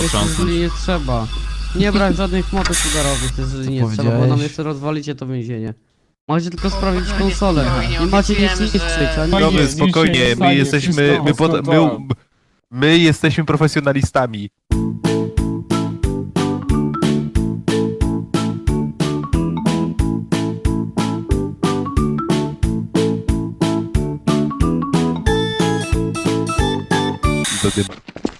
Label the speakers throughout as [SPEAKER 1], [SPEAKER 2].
[SPEAKER 1] potrząsnąć.
[SPEAKER 2] jeżeli nie trzeba. Nie brać żadnych motów udarowych, jeżeli nie trzeba, bo nam jeszcze rozwalicie to więzienie. Macie tylko sprawdzić konsolę. Nie macie nic niszczyć, a nie...
[SPEAKER 3] Dobra, spokojnie, my jesteśmy, my jesteśmy profesjonalistami. Do dymu.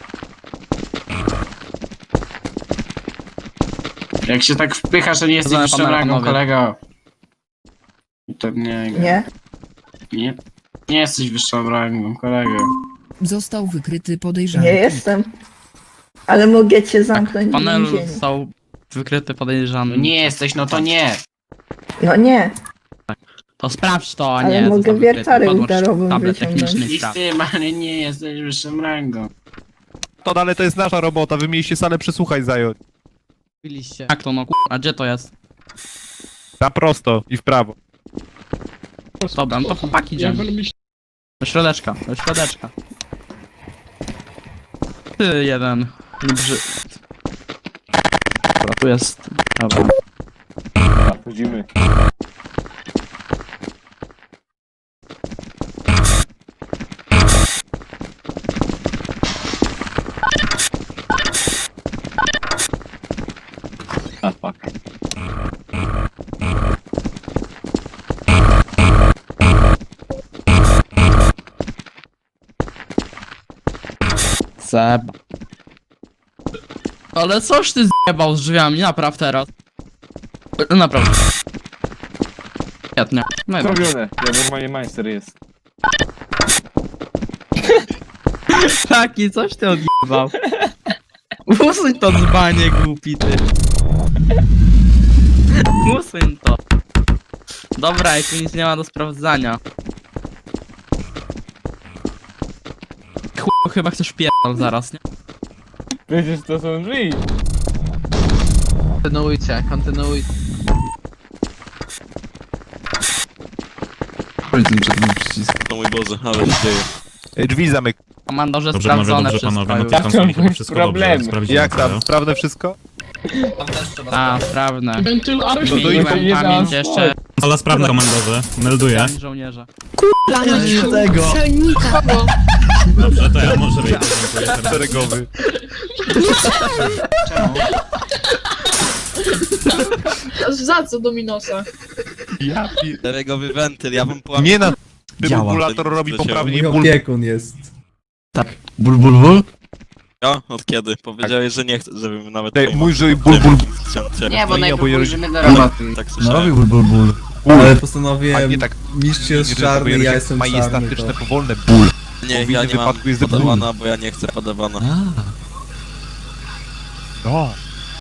[SPEAKER 4] Jak się tak wpychasz, to nie jesteś
[SPEAKER 1] Dobra,
[SPEAKER 4] wyższą
[SPEAKER 1] panowie,
[SPEAKER 4] rangą,
[SPEAKER 1] panowie.
[SPEAKER 4] kolego. To nie...
[SPEAKER 5] Nie?
[SPEAKER 4] Nie, nie jesteś wyższą rangą, kolego.
[SPEAKER 6] Został wykryty podejrzany.
[SPEAKER 5] Nie jestem. Ale mogę cię zamknąć w
[SPEAKER 1] Panel
[SPEAKER 5] więzieniu.
[SPEAKER 1] został wykryty
[SPEAKER 4] No
[SPEAKER 1] podejrzany.
[SPEAKER 4] nie jesteś, no to nie.
[SPEAKER 5] No nie,
[SPEAKER 1] To sprawdź to, a
[SPEAKER 5] ale
[SPEAKER 1] nie.
[SPEAKER 5] mogę
[SPEAKER 1] został wykryty.
[SPEAKER 5] wiertarę
[SPEAKER 1] Podłącz
[SPEAKER 5] udarową
[SPEAKER 1] tablet
[SPEAKER 5] wyciągnąć.
[SPEAKER 1] techniczny i
[SPEAKER 4] I z
[SPEAKER 1] sprawdź.
[SPEAKER 4] tym, ale nie jesteś wyższą rangą.
[SPEAKER 3] To ale to jest nasza robota, wy mieliście salę przesłuchań zająć.
[SPEAKER 2] Biliście.
[SPEAKER 1] Jak to no a gdzie to jest?
[SPEAKER 3] Na prosto i w prawo.
[SPEAKER 1] Dobra, no to chłopaki idziemy. Do środeczka, do środeczka. Ty jeden. Dobra, tu jest. Dobra.
[SPEAKER 7] Chodzimy. A fuck.
[SPEAKER 1] Seb. Ale coś ty zjebał z drzwiami, napraw teraz. Naprawdę. Świetnie. No i dobra.
[SPEAKER 7] Zrobione. Ja normalnie majster jest.
[SPEAKER 1] Taki, coś ty odjebał. Usuń to dzbanie głupi ty. Usuń to. Dobra, i tu nic nie ma do sprawdzania. Chyba chcesz pierdol zaraz, nie?
[SPEAKER 7] Przecież to są drzwi.
[SPEAKER 2] Kontynuujcie, kontynuujcie.
[SPEAKER 8] O mój Boże, ale się dzieje.
[SPEAKER 3] Drzwi zamyk.
[SPEAKER 1] Komandorze
[SPEAKER 9] Dobrze panowie,
[SPEAKER 1] sprawdzone
[SPEAKER 9] dobrze
[SPEAKER 1] wszystko
[SPEAKER 9] panowie, no
[SPEAKER 1] już.
[SPEAKER 9] to tam
[SPEAKER 7] Ja
[SPEAKER 9] sobie
[SPEAKER 7] to mój
[SPEAKER 9] wszystko
[SPEAKER 7] problem.
[SPEAKER 9] dobrze, sprawdzimy
[SPEAKER 3] Jak tam?
[SPEAKER 9] to.
[SPEAKER 3] Sprawne wszystko?
[SPEAKER 1] A, sprawne.
[SPEAKER 3] No to
[SPEAKER 1] Zmieniłem
[SPEAKER 7] nie
[SPEAKER 1] pamięć
[SPEAKER 7] da
[SPEAKER 1] jeszcze
[SPEAKER 9] Kola sprawna komandorze, melduję.
[SPEAKER 1] żołnierza.
[SPEAKER 9] Dobrze, to ja może wyjdę. dziękuję serdecznie.
[SPEAKER 3] Szeregowy.
[SPEAKER 4] Czemu?
[SPEAKER 10] Za co Dominosa?
[SPEAKER 3] Ja pi...
[SPEAKER 8] Szeregowy wentyl, ja bym połamał.
[SPEAKER 3] Nie na...
[SPEAKER 8] Działa.
[SPEAKER 3] Defibrillator robi poprawnie
[SPEAKER 11] Mój
[SPEAKER 3] ból.
[SPEAKER 11] opiekun jest.
[SPEAKER 8] Ja? Od kiedy? Powiedziałeś, że nie chcesz, żebym nawet...
[SPEAKER 3] Ej,
[SPEAKER 8] pojmował.
[SPEAKER 3] mój żyj ból.
[SPEAKER 4] Nie, bo
[SPEAKER 3] Nie,
[SPEAKER 4] najpierw
[SPEAKER 3] bo ja-
[SPEAKER 4] pójdziemy do roboty.
[SPEAKER 8] Tak
[SPEAKER 11] No
[SPEAKER 8] słyszałem.
[SPEAKER 11] robił ból. Ale postanowiłem,
[SPEAKER 3] A nie tak.
[SPEAKER 11] mistrz jest czarny, ja jestem czarny.
[SPEAKER 3] Majestatyczne, powolne ból.
[SPEAKER 8] Nie,
[SPEAKER 3] w
[SPEAKER 8] ja
[SPEAKER 3] innym
[SPEAKER 8] nie mam
[SPEAKER 3] wypadku jest ból.
[SPEAKER 8] podawana, bo ja nie chcę podawana.
[SPEAKER 3] No.